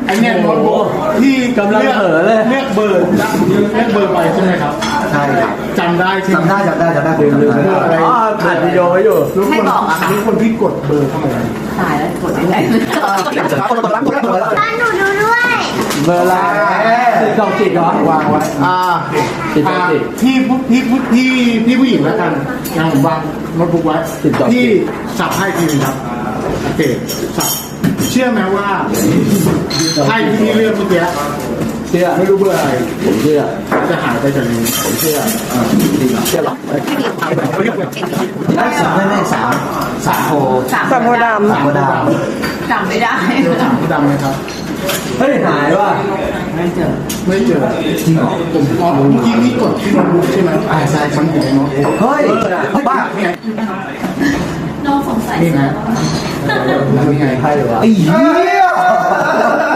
อันเนี้ยโน้ตบุ๊กที่กำลังเผลอเลยเลือกเบอร์ไปใช่ไหมครับใช่ครับจำได้ใช่ไหมจำได้ผมลืมอ๋อถ่ายวิดีโอไว้อยู่ให้บอกอะค่ะทุกคนที่กดเบอร์เข้ามาตายแล้วกดยังไงตอนหนูดูด้วยเบอร์อะไรติดต้องติดเหรอวางไว้ติดต้องติดพี่ผู้หญิงแล้วกันยังผมวางโน้ตบุ๊กไว้ติดต่อพี่สับไพ่ทีนึงครับโอเคสับเชื่อไหมว่าไพ่ที่พี่เลือกเมื่อกี้เชื่อไม่รู้เบอร์อะไรผมเชื่อจะหายไปจากนี้ผมเชื่อเชื่อหรอไม่สามโพสามสามโพดำจำไม่ได้เจอถามผู้ดำไหมครับเฮ้ยหายว่ะไม่เจอไม่เจอจริงเหรอผมเมื่อกี้พี่กดที่โน้ตบุ๊กใช่ไหมใช่มันอยู่ในโน้ตบุ๊กเฮ้ยบ้านี่ไงน้องสงสัยนี่ไงนี่ไงใช่หรือวะไอ้เหี้ย